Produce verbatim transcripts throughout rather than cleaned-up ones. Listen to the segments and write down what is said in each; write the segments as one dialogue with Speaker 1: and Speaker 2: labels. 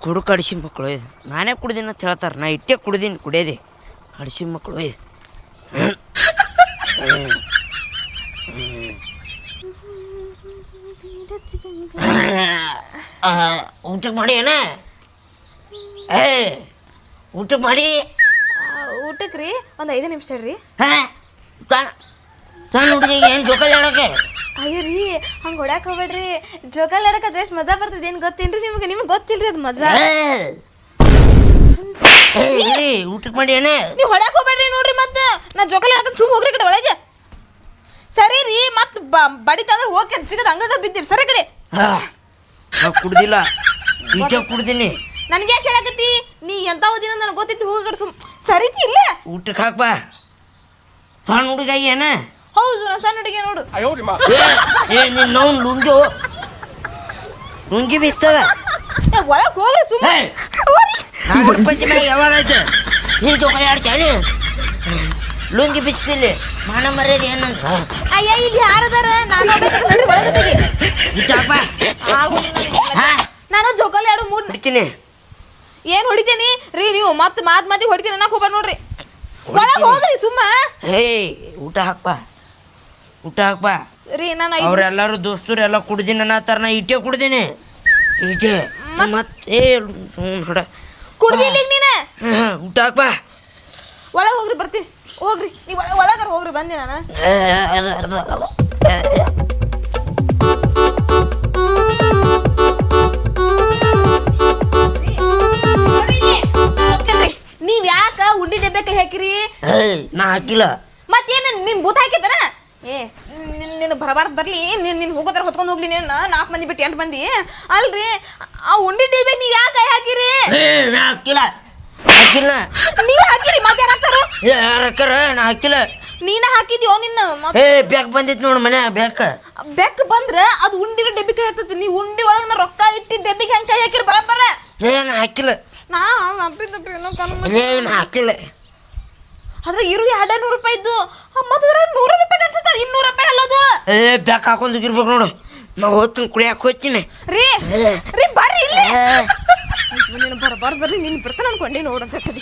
Speaker 1: ಕುಡುಕ ಅಡಿಸಿ ಮಕ್ಕಳು ಇದು ನಾನೇ ಕುಡ್ದೀನಿ ಅಂತ ಹೇಳ್ತಾರೆ ನಾ ಇಟ್ಟೇ ಕುಡ್ದೀನಿ ಕುಡಿಯೋದೆ ಅಡಿಸಿ ಮಕ್ಕಳು ಇದು ಊಟಕ್ಕೆ ಮಾಡಿ ಏನ ಏ ಊಟಕ್ಕೆ ಮಾಡಿ
Speaker 2: ಊಟಕ್ಕೆ ರೀ ಒಂದು ಐದು ನಿಮಿಷ ರೀ
Speaker 1: ಹಾಂ ಸಣ್ಣ ಹುಡುಗಿಗೆ ಏನು ಜೋಕಾಲಿ ಆಡೋಕೆ
Speaker 2: ಅಯ್ಯ ರೀ ಹಂಗೆ ಹೊಡ್ಯಾಕ ಹೋಗ್ಬೇಡ್ರಿ ಜೋಕಾಲಿ ಆಡಕ್ಕೆ ಅದು ಎಷ್ಟು ಮಜಾ ಬರ್ತದೆ ಏನು ಗೊತ್ತೇನ್ರಿ ನಿಮಗೆ ನಿಮ್ಗೆ ಗೊತ್ತಿಲ್ರಿ ಅದು ಮಜಾ
Speaker 1: ಇಲ್ಲಿ ಊಟಕ್ಕೆ ಮಾಡಿ ಏನ
Speaker 2: ನೀವು ಹೊಡ್ಯಾಕ ಹೋಗ್ಬೇಡ್ರಿ ನೋಡ್ರಿ ಮತ್ತೆ ನಾ ಜೋಕಾಲಿ ಆಡಕ್ಕೆ ಸುಮ್ ಹೋಗ್ರಿ ಕಡೆ ಒಳಗೆ ಸರಿ ರೀ ಮತ್ತೆ ಬಡಿತಂದ್ರೆ ಹೋಗಿ ಸಿಗದ ಅಂಗಡಿದಾಗ ಬಿದ್ದೀರಿ ಸರಿ ಕಡೆ
Speaker 1: ನಾ ಕುಡ್ದಿಲ್ಲ ಇಟ್ಟೆ ಕುಡ್ದೀನಿ
Speaker 2: ನನಗೆ ಯಾಕೆ ಹೇಳಕತ್ತಿ ನೀ ಎಂತ ಓದಿನ ನನಗೆ ಗೊತ್ತಿತ್ತು ಹೋಗಿ ಕಡೆ ಸುಮ್ ಸರಿತಿ ಇಲ್ಲ
Speaker 1: ಊಟಕ್ಕೆ ಹಾಕ್ಬಾ ಸಣ್ಣ ಹುಡುಗಾಗಿ ಏನ
Speaker 2: ಹೌದು ನಾ ಸಣ್ಣ ಹುಡುಗಿ ನೋಡು
Speaker 1: ಏ ನೀನು ನಾವು ಲುಂಗಿ ಲುಂಗಿ ಬಿಸ್ತದ
Speaker 2: ಒಳಗೆ ಹೋಗ್ರಿ ಸುಮ್ಮನೆ
Speaker 1: ನಾಲ್ಕು ಪಂಚಮಿ ಯಾವಾಗ ಆಯ್ತು ನೀನು ಜೋಕಾಲಿ ಆಡ್ತೇನೆ ಲುಂಗಿ ಬಿಚ್ತಿಲ್ಲಿ ಮಾನ ಮರ್ಯಾದೆ ಏನಂತ
Speaker 2: ಅಯ್ಯ ಇಲ್ಲಿ ಯಾರದಾರ ನಾನು ಒಳಗೆ ತೆಗಿ
Speaker 1: ಊಟ ಹಾಕ್ಬಾ
Speaker 2: ನಾನು ಜೋಕಾಲಿ ಆಡು ಮೂಡ್
Speaker 1: ಬಿಡ್ತೀನಿ
Speaker 2: ಏನು ಹೊಡಿತೇನಿ ರೀ ನೀವು ಮತ್ತೆ ಮಾತು ಮಾತಿ ಹೊಡಿತೀನಿ ಅನ್ನಕ್ಕೆ ಹೋಗ್ಬಾರ ನೋಡ್ರಿ ಒಳಗೆ ಹೋಗ್ರಿ ಸುಮ್ಮ
Speaker 1: ಹೇ ಊಟ ಹಾಕ್ಬಾ ಊಟ ಹಾಕ್ಬಾ
Speaker 2: ರೀ ನಾನು
Speaker 1: ಅವ್ರೆಲ್ಲರೂ ದೋಸ್ತರು ಎಲ್ಲ ಕುಡ್ದೀನಿ ಅನ್ನತ್ತಾರ ನಾ ಇಟ್ಟೆ ಕುಡ್ದೀನಿ ಇಟ್ಟೆ ಮತ್ತೆ ಹೊಡ
Speaker 2: ಕುಡ್ದಿಲ್ಲ ನೀನು
Speaker 1: ಊಟ ಹಾಕ್ಬಾ
Speaker 2: ಒಳಗೆ ಹೋಗ್ರಿ ಬರ್ತೀನಿ ಹೋಗ್ರಿ ನೀವು ಒಳಗಾರ ಹೋಗ್ರಿ ಬಂದೆ ನಾನು ನೀವ್ ಯಾಕ ಉಂಡಿ ಡಬ್ಬೆ ಹಾಕಿರಿ
Speaker 1: ನಾ ಹಾಕಿಲ್ಲ
Speaker 2: ಮತ್ತೇನ ನಿನ್ ಬೂತ್ ಹಾಕಿದ್ದಾನ ಏ ನೀನು ಬರಬಾರ್ದು ಬರ್ಲಿ ನೀನ್ ನೀನ್ ಹೋಗೋದ್ರ ಹೊತ್ಕೊಂಡು ಹೋಗ್ಲಿ ನೀನು ನಾಲ್ಕು ಮಂದಿ ಬಿಟ್ಟು ಎಂಟು ಮಂದಿ ಅಲ್ರಿ ಆ ಉಂಡಿ ಡಬ್ಬೆ ನೀವ್ ಯಾಕೆ ಹಾಕಿರಿ
Speaker 1: ಹಾಕಿಲ್ಲ ಹಾಕಿಲ್ಲ
Speaker 2: ನೀವ್ ಹಾಕಿರಿ ಮತ್ತೆ ಯಾರು ಹಾಕ್ತಾರ
Speaker 1: ಯಾರ ನಾ ಹಾಕಿಲ್ಲ
Speaker 2: ನೀನ ಹಾಕಿದ್ಯೋ ನಿನ್ನ
Speaker 1: ಏ ಬ್ಯಾಕ್ ಬಂದಿತ್ತು ನೋಡು ಮನೆ ಬ್ಯಾಕ್
Speaker 2: ಬೆಕ್ ಬಂದ್ರ ಅದು ಉಂಡಿನ ಡೆಬ್ಬಿಗೆ ಕೈ ಹಾಕ್ತತಿ ನೀವು ಉಂಡಿ ಒಳಗೆ ನಾ ರೊಕ್ಕ ಇಟ್ಟು ಡೆಬ್ಬಿಗೆ ಹೆಂಗೆ ಕೈ ಹಾಕಿರಿ ಬರಬರ
Speaker 1: ಏನು ಹಾಕಿಲ್ಲ
Speaker 2: ನಾ ಅಪ್ಪಿದ್ದಪ್ಪ ಏನೋ
Speaker 1: ಏನು ಹಾಕಿಲ್ಲ
Speaker 2: ಆದ್ರೆ ಇರು ಎರಡು ನೂರು ರೂಪಾಯಿ ಇದ್ದು ಮತ್ತೆ ನೂರು ರೂಪಾಯಿ ಅನ್ಸುತ್ತ ಇನ್ನೂರು ರೂಪಾಯಿ ಅಲ್ಲದು
Speaker 1: ಏ ಬ್ಯಾಕ್ ಹಾಕೊಂಡು ಇರ್ಬೇಕು ನೋಡು ನಾ ಹೋಗ್ತೀನಿ ಕುಡಿಯಾಕ ಹೋಗ್ತೀನಿ
Speaker 2: ರೀ ರೀ ಬರ್ರಿ ಇಲ್ಲಿ ನೀನು ಬರಬಾರ್ದು ಬರ್ರಿ ನೀನು ಬರ್ತಾನೆ ಅನ್ಕೊಂಡೆ ನೋಡಂತ ತಡಿ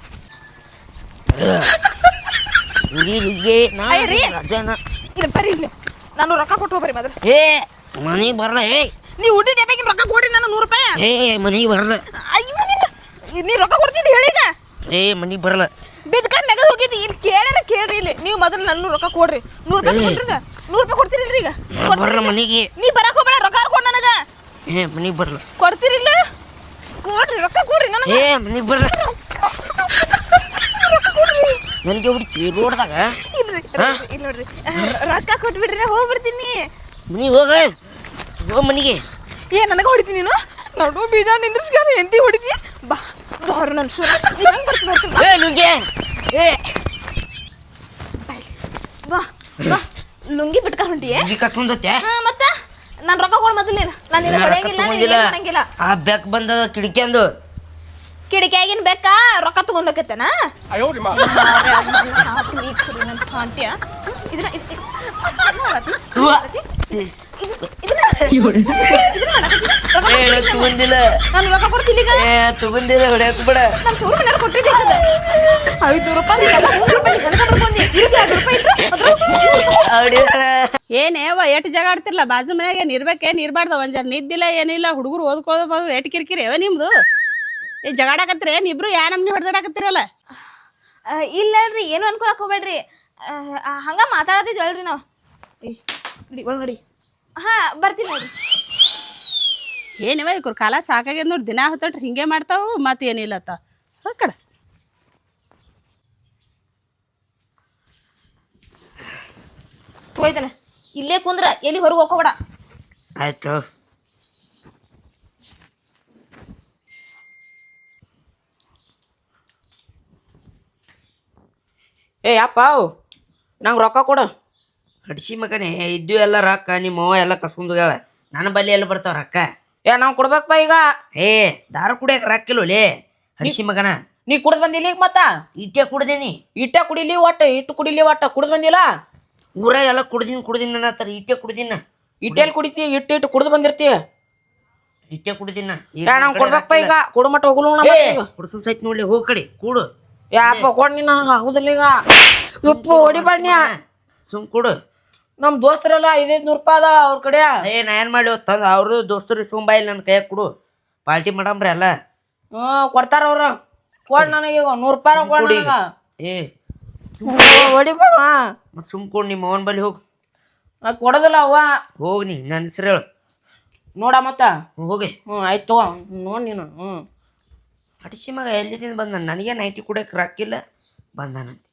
Speaker 2: ಇಲ್ಲ ಬರ್ರಿ ಇಲ್ಲಿ ನಾನು ರೊಕ್ಕ ಕೊಟ್ಟು ಹೋಗ್ರಿ ಮೊದಲು
Speaker 1: ಏ ಮನೆಗೆ ಬರಲ್ಲ ಏ
Speaker 2: ನೀವು ಉಂಡಿ ಡೆಬ್ಬಿಗೆ ರೊಕ್ಕ ಕೊಡ್ರಿ ನಾನು ನೂರು ರೂಪಾಯಿ
Speaker 1: ಏ ಮನೆಗೆ ಬರಲ್ಲ
Speaker 2: ಅಯ್ಯೋ ನೀ ರೊಕ್ಕ ಕೊಡ್ತಿದ್ದಿ ಹೇಳೀಗ
Speaker 1: ಏ ಮನೆಗೆ ಬರಲ್ಲ
Speaker 2: ಬಿದ್ಕಾರ್ ನೆಗದ್ ಹೋಗಿದ್ದಿ ಇಲ್ಲಿ ಕೇಳ್ಯಾರ ಕೇಳ್ರಿ ಇಲ್ಲಿ ನೀವು ಮೊದಲು ನನ್ನ ರೊಕ್ಕ ಕೊಡ್ರಿ ನೂರು ರೂಪಾಯಿ ಕೊಡ್ರಿ ನೂರು ರೂಪಾಯಿ ಕೊಡ್ತೀರಿಲ್ರಿ ಈಗ
Speaker 1: ಬರಲ್ಲ ಮನೆಗೆ
Speaker 2: ನೀ ಬರಕ್ ಹೋಗ್ಬೇಡ ರೊಕ್ಕ ಕೊಡ್ ನನಗ
Speaker 1: ಏ ಮನೆಗೆ ಬರಲ್ಲ
Speaker 2: ಕೊಡ್ತೀರಿಲ್ಲ ಕೊಡ್ರಿ ರೊಕ್ಕ ಕೊಡ್ರಿ ನನಗೆ
Speaker 1: ಏ ಮನೆಗೆ ಬರಲ್ಲ ನನಗೆ ಹುಡುಕಿ ರೋಡ್ದಾಗ
Speaker 2: ಇಲ್ಲ ನೋಡ್ರಿ ರೊಕ್ಕ ಕೊಟ್ಬಿಡ್ರಿ ಹೋಗ್ಬಿಡ್ತೀನಿ
Speaker 1: ಮನೆಗೆ ಹೋಗ ಹೋಗ ಮನೆಗೆ
Speaker 2: ಏ ನನಗೆ ಹೊಡಿತೀನಿ ನೀನು ನೋಡು ಬೀಜ ನಿಂದ್ರಿಸ್ಕಾರ ಎಂತಿ ಹೊಡಿತಿ ಬಾ ಬಾರು ನನ್ನ ಶೂರ ಹೆಂಗೆ ಬರ್ತೀನಿ
Speaker 1: ಏ ಲುಂಗಿ ಏ
Speaker 2: ಬಾ ಬಾ ಲುಂಗಿ ಬಿಟ್ಕಾರ ಹೊಂಟಿಯೇ
Speaker 1: ಲುಂಗಿ ಕಸ್ಕೊಂಡತ್ತೆ
Speaker 2: ಹಾಂ ಮತ್ತೆ ನಾನು ರೊಕ್ಕ ಕೊಡು ಮೊದಲೇನು ನಾನು ನಿನ್ನ ಹೊಡೆಯಂಗಿಲ್ಲ ನೀನು ಮಾಡಂಗಿಲ್ಲ
Speaker 1: ಆ ಬೆಕ್ ಬಂದದ ಕಿಡಿಕೆಂದು
Speaker 2: ಕಿಡಿಕೆಯಾಗಿನ ಬೇಕಾ ರೊಕ್ಕ ತಗೊಂಡ್ಲಕತ್ತೇನ
Speaker 1: ತಗೊಂಡಿಲ್ಲ
Speaker 2: ನಾನು ರೊಕ್ಕ ಕೊಡ್ತಿಲ್ಲ ಈಗ
Speaker 1: ಏ ತಗೊಂಡಿಲ್ಲ ಹೊಡ್ಯಾಕ ಬಿಡ
Speaker 2: ನಾನು ತೋರ್ ಮನೆ ಕೊಟ್ಟಿದ್ದೆ ಐದು ರೂಪಾಯಿ ಮೂರು ರೂಪಾಯಿ ಬಂದಿ ಎರಡು ರೂಪಾಯಿ
Speaker 3: ಏನೇವ ಎಟ್ ಜಗ ಆಡ್ತಿರ್ಲ ಬಾಜು ಮನ್ಯಾಗ ಏನ್ ಇರ್ಬೇಕೇನ್ ಇರ್ಬಾರ್ದ ಒಂದ್ ಜರ ನಿದ್ದಿಲ್ಲ ಏನಿಲ್ಲ ಹುಡುಗರು ಓದ್ಕೊಳ್ಳೋದು ಎಟ್ ಕಿರಿಕಿರಿ ಅವ ನಿಮ್ದು ಏ ಜಗಾಡಕತ್ರಿ ಏನ್ ಇಬ್ರು ಯಾ ನಮ್ನಿ ಹೊಡೆದಾಡಕತ್ತಿರಲ್ಲ
Speaker 2: ಇಲ್ಲ ರೀ ಏನು ಅನ್ಕೊಳಕ್ ಹೋಗ್ಬೇಡ್ರಿ ಹಂಗ ಮಾತಾಡತಿದ್ವಿ ಅಲ್ರಿ ನಾವು ಒಳಗಡಿ ಹಾ ಬರ್ತೀನಿ ನೋಡ್ರಿ
Speaker 3: ಏನಿವ ಇವ್ರ ಕಾಲ ಸಾಕಾಗ್ಯದ ನೋಡಿ ದಿನ ಹೊತ್ತಟ್ರಿ ಹಿಂಗೆ ಮಾಡ್ತಾವು ಮತ್ತೆ ಏನಿಲ್ಲತ್ತ ಕಡ
Speaker 2: ಹೋಯ್ತಾನೆ ಇಲ್ಲೇ ಕುಂದ್ರ ಎಲ್ಲಿ ಹೊರಗೆ ಹೋಗ್ಕೋಬೇಡ
Speaker 1: ಆಯ್ತು
Speaker 4: ಏ ಅಪ್ಪ ನಂಗೆ ರೊಕ್ಕ ಕೊಡು
Speaker 1: ಹಡ್ಸಿ ಮಗನೇ ಇದ್ದು ಎಲ್ಲ ರೊಕ್ಕ ನಿಮ್ಮ ಅವ್ವ ಎಲ್ಲ ಕಸ್ಕೊಂಡೋಗ್ಯಾಳ ನನ್ನ ಬಲ್ಲಿ ಎಲ್ಲ ಬರ್ತಾವ ರೊಕ್ಕ
Speaker 4: ಏ ನಾವು ಕೊಡ್ಬೇಕಪ್ಪ ಈಗ
Speaker 1: ಏ ದಾರ ಕುಡಿಯಕ್ಕೆ ರೊಕ್ಕ ಇಲ್ಲೋಲೇ ಹಡ್ಸಿ ಮಗನ
Speaker 4: ನೀ ಕುಡ್ದು ಬಂದಿಲ್ಲ ಈಗ ಮತ್ತ
Speaker 1: ಇಟ್ಟೆ ಕುಡ್ದೀನಿ
Speaker 4: ಇಟ್ಟ ಕುಡಿಲಿ ಒಟ್ಟು ಇಟ್ಟು ಕುಡಿಲಿ ಒಟ್ಟು ಕುಡ್ದು ಬಂದಿಲ್ಲ
Speaker 1: ಊರಾಗ ಎಲ್ಲ ಕುಡ್ದೀನಿ ಕುಡ್ದೀನಿ ಅನ್ನತ್ತಾರ ಇಟ್ಟೆ ಕುಡ್ದೀನ
Speaker 4: ಇಟ್ಟೆಲ್ಲಿ ಕುಡಿತಿ ಇಟ್ಟು ಇಟ್ಟು ಕುಡ್ದು ಬಂದಿರ್ತಿ
Speaker 1: ಇಟ್ಟೆ ಕುಡಿದಿನ
Speaker 4: ಯಾ ನಂಗೆ ಕೊಡ್ಬೇಕಪ್ಪ ಈಗ ಕೊಡು ಮಟ್ಟ ಹೋಗ್ಲು
Speaker 1: ಹುಡ್ಸನ್ ಸೈಟ್ ನೋಡ್ಲಿ ಹೋಗ್ ಕಡೆ ಕೂಡು
Speaker 4: ಯಾಪ ಕೊಡ್ ನೀನು ಆಗುದಿಲ್ಲ ಈಗ ಉಪ್ಪು ಹೊಡಿ ಬನ್ನಿ
Speaker 1: ಸುಮ್ ಕೊಡು
Speaker 4: ನಮ್ ದೋಸ್ತರೆಲ್ಲ ಐದೈದು ನೂರು ರೂಪಾಯಿ ಅದ ಅವ್ರ ಕಡೆ
Speaker 1: ಏ ನಾ ಏನ್ ಮಾಡಿ ತಂದ ಅವ್ರದ್ದು ದೋಸ್ತರು ಸುಂಬಾಯಿಲ್ ನನ್ನ ಕೈಯಾಗ ಕೊಡು ಪಾರ್ಟಿ ಮಾಡಮ್ರಿ ಅಲ್ಲ
Speaker 4: ಹ್ಮ್ ಕೊಡ್ತಾರ ಅವ್ರ ಕೊಡ್ ನನಗೆ ಈಗ ನೂರು ರೂಪಾಯಿ ಕೊಡ್
Speaker 1: ಕೊಡಿ
Speaker 4: ನನಗ
Speaker 1: ಏ
Speaker 4: ಹೊಡಿಬೇಡ
Speaker 1: ಮತ್ ಸುಮ್ ಕೊಡು ನಿಮ್ಮ ಅವನ್ ಬಲ್ಲಿ ಹೋಗ್
Speaker 4: ಕೊಡೋದಿಲ್ಲ ಅವ್ವ
Speaker 1: ಹೋಗ್ ನೀ ನನ್ನ ಹೆಸರು ಹೇಳು
Speaker 4: ನೋಡ ಮತ್ತ
Speaker 1: ಹೋಗಿ
Speaker 4: ಹ್ಞೂ ಆಯ್ತು ನೋಡ್ ನೀನು ಹ್ಞೂ
Speaker 1: ಅಡಿಸಿ ಮಗ ಎಲ್ಲಿದಿಂದ ಬಂದ ನನಗೆ ನೈಟಿ ಕುಡಿಯಕ್ಕೆ ರಾಕಿಲ್ಲ ಬಂದಾನಂತೆ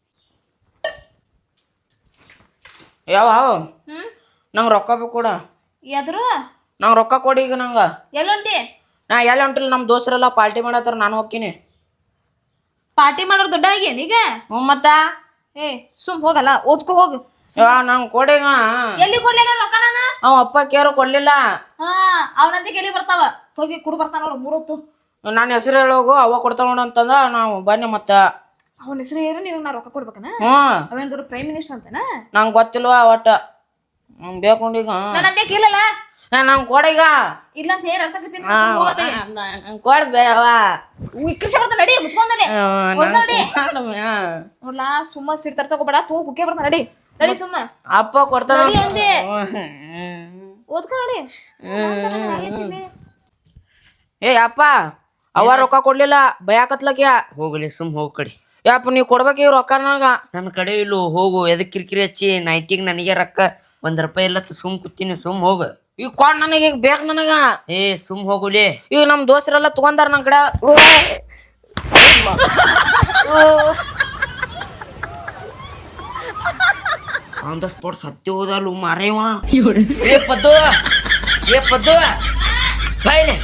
Speaker 4: ಯಾವ
Speaker 2: ಹ್ಮ್
Speaker 4: ನಂಗೆ ರೊಕ್ಕ ಬೇಕು ಕೊಡ
Speaker 2: ಎದ್ರು
Speaker 4: ನಂಗೆ ರೊಕ್ಕ ಕೊಡಿ ಈಗ ನಂಗೆ
Speaker 2: ಎಲ್ಲುಂಟಿ
Speaker 4: ನಾ ಎಲ್ಲಿ ಹೊಂಟಿಲ್ಲ ನಮ್ಮ ದೋಸ್ತರೆಲ್ಲ ಪಾರ್ಟಿ ಮಾಡತ್ತಾರ ನಾನು ಹೋಗ್ತೀನಿ
Speaker 2: ಪಾರ್ಟಿ ಮಾಡೋರು ದೊಡ್ಡ ಆಗ್ಯಾನ ಈಗ
Speaker 4: ಹ್ಞೂ ಮತ್ತ
Speaker 2: ಏ ಸುಮ್ ಹೋಗಲ್ಲ ಓದ್ಕೊ ಹೋಗು
Speaker 4: ಯಾ ನಂಗೆ ಕೊಡಿಗ
Speaker 2: ಎಲ್ಲಿ ಕೊಡ್ಲಿ ನಾನು ರೊಕ್ಕ ನಾನು
Speaker 4: ಅವ ಅಪ್ಪ ಕೇರು ಕೊಡ್ಲಿಲ್ಲ
Speaker 2: ಹಾ ಅವನಂತೆ ಎಲ್ಲಿ ಬರ್ತಾವ ಹೋಗಿ ಕುಡು ಬರ್ತಾನ ನೋಡು ಮೂರೊತ್ತು
Speaker 4: ನನ್ನ ಹೆಸರು ಹೇಳೋಗು ಅವ ಕೊಡ್ತಾವ ನೋಡು ಅಂತಂದ ನಾವು ಬನ್ನಿ ಮತ್ತ
Speaker 2: ಅವನ ಹೆಸರು ಏನು ನೀವು ನಾ ರೊಕ್ಕ ಕೊಡ್ಬೇಕನ
Speaker 4: ಹ್ಞೂ
Speaker 2: ಅವೇನ್ ದೊಡ್ಡ ಪ್ರೈಮ್ ಮಿನಿಸ್ಟರ್ ಅಂತನ
Speaker 4: ನಂಗೆ ಗೊತ್ತಿಲ್ವಾ ಒಟ್ಟ ನಂಗೆ ಬೇಕೊಂಡೀಗ
Speaker 2: ನನ್ನಂತೆ ಕೇಳಲ್ಲ
Speaker 4: ನಂಗೆ ಕೊಡೀಗ
Speaker 2: ಇಲ್ಲ ಅಂತ ಹೇಳಿ ಅರ್ಥ ಆಗ್ತೀನಿ
Speaker 4: ನಂಗೆ ಕೊಡ್ಬೇವ
Speaker 2: ಕೃಷಿ ಬರ್ತಾನ ನಡಿ ಮುಚ್ಕೊಂಡಲೆ ನಡಿ ನೋಡ್ಲಾ ಸುಮ್ಮ ಸಿಟ್ ತರ್ಸಕೋಬೇಡ ತೂ ಕುಕ್ಕೆ ಬರ್ತಾನ ನಡಿ ನಡಿ ಸುಮ್ಮ
Speaker 4: ಅಪ್ಪ ಕೊಡ್ತಾನ
Speaker 2: ನಡಿ ಅಂದೆ ಓದ್ಕ ನಡಿ
Speaker 4: ಏ ಅಪ್ಪ ಅವ ರೊಕ್ಕ ಕೊಡ್ಲಿಲ್ಲ ಭಯಾಕತ್ಲಕ್ಯ
Speaker 1: ಹೋಗಲಿ ಸುಮ್ ಹೋಗ್ ಕಡೆ
Speaker 4: ಯಪ್ಪ ನೀವು ಕೊಡ್ಬೇಕು ರೊಕ್ಕ ನನಗ
Speaker 1: ನನ್ನ ಕಡೆ ಇಲ್ಲು ಹೋಗು ಎದಕ್ ಕಿರಿಕಿರಿ ಹಚ್ಚಿ ನೈಟಿಗೆ ನನಗೆ ರೊಕ್ಕ ಒಂದ್ ರೂಪಾಯಿ ಇಲ್ಲ ಸುಮ್ ಕೂತೀನಿ ಸುಮ್ ಹೋಗು
Speaker 4: ಈಗ ಕೊಡ್ ನನಗೆ ಈಗ ಬೇಕು ನನಗ
Speaker 1: ಏ ಸುಮ್ ಹೋಗುಲಿ
Speaker 4: ಈಗ ನಮ್ಮ ದೋಸ್ತರೆಲ್ಲ ತಗೊಂಡಾರ ನನ್ನ ಕಡೆ
Speaker 1: ಆನ್ ದ ಸ್ಪಾಟ್ ಸತ್ಯ ಹೋದಲ್ಲ ಮಾರೇವ ಏ ಪದ್ದು ಏ ಪದ್ದು ಬಾಯ್ಲೆ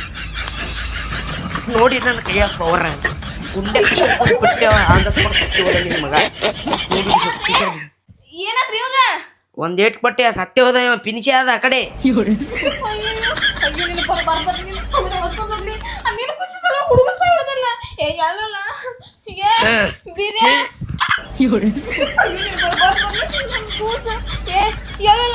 Speaker 1: ನೋಡಿ ನನ್ನ ಕೈಯಾಗ ಪವರ್ ಗುಂಡೆ ಕಿಶನ್ ಕೊಟ್ಟು ಬಿಟ್ಟೆವ ಆನ್ ದ ಸ್ಪಾಟ್ ಸತ್ಯ ಹೋದ ನಿನ್ನ ಮಗ ನೋಡಿ ಕಿಶನ್ ಕಿಶನ್
Speaker 2: ಏನಾದ್ರಿ ಇವಾಗ
Speaker 1: ಒಂದ್ ಏಟ್ ಕೊಟ್ಟೆ ಸತ್ಯ ಹೋದ ಇವ ಪಿನಿಶಿ ಆದ ಆ ಕಡೆ
Speaker 2: ಅಯ್ಯೋ ಅಯ್ಯೋ ನಿನ್ನ ಬರ ಬರ್ಬತ್ ನಿನ್ನ ಹುಡುಗ ಹೊತ್ಕೊಂಡು ಹೋಗ್ಲಿ ಆ ನಿನ್ನ ಖುಷಿ ಸಲ ಹುಡುಗನ ಸಹ ಹಿಡಿದಿಲ್ಲ ಏ ಎಲ್ಲಲ್ಲ ಏ ಬೀರೆ ಅಯ್ಯೋ ನಿನ್ನ ಬರ ಬರ್ಬತ್ ನನ್ನ ಕೂಸ ಏ ಎಲ್ಲಲ್ಲ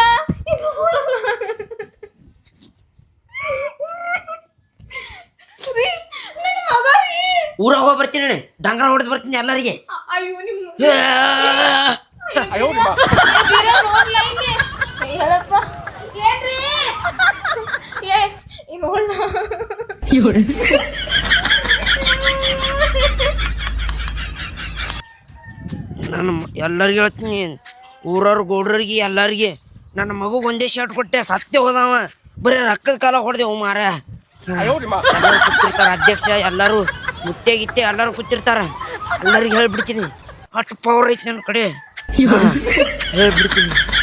Speaker 2: ನನ್ನ ಮಗ ರೀ
Speaker 1: ಊರಾಗ ಹೋಗಿ ಬರ್ತೀನಿ ಡಂಗರ ಹೊಡೆದು ಬರ್ತೀನಿ ಎಲ್ಲರಿಗೆ
Speaker 2: ಅಯ್ಯೋ ನಿಮ್ಮ ಬೀರೆ ನೋಡ್ಲ ಇಲ್ಲಿ ಹೇಳಪ್ಪ ಏನ್ರಿ ಏ ಈ ನೋಡ್ಲ
Speaker 1: ನಾನು ಎಲ್ಲರಿಗೆ ಹೇಳ್ತೀನಿ ಊರವ್ರ ಗೌಡ್ರಿಗೆ ಎಲ್ಲರಿಗೆ ನನ್ನ ಮಗು ಒಂದೇ ಶರ್ಟ್ ಕೊಟ್ಟೆ ಸತ್ಯ ಹೋದವ ಬರೀ ರೊಕ್ಕದ ಕಾಲ ಹೊಡೆದೆವು ಮಾರ ಎಲ್ಲರೂ ಕೂತಿರ್ತಾರ ಅಧ್ಯಕ್ಷ ಎಲ್ಲರೂ ಮುತ್ತೆ ಗಿತ್ತೆ ಎಲ್ಲರೂ ಕೂತಿರ್ತಾರ ಎಲ್ಲರಿಗೆ ಹೇಳ್ಬಿಡ್ತೀನಿ ಅಷ್ಟು ಪವರ್ ಐತಿ ನನ್ನ ಕಡೆ ಹೇಳ್ಬಿಡ್ತೀನಿ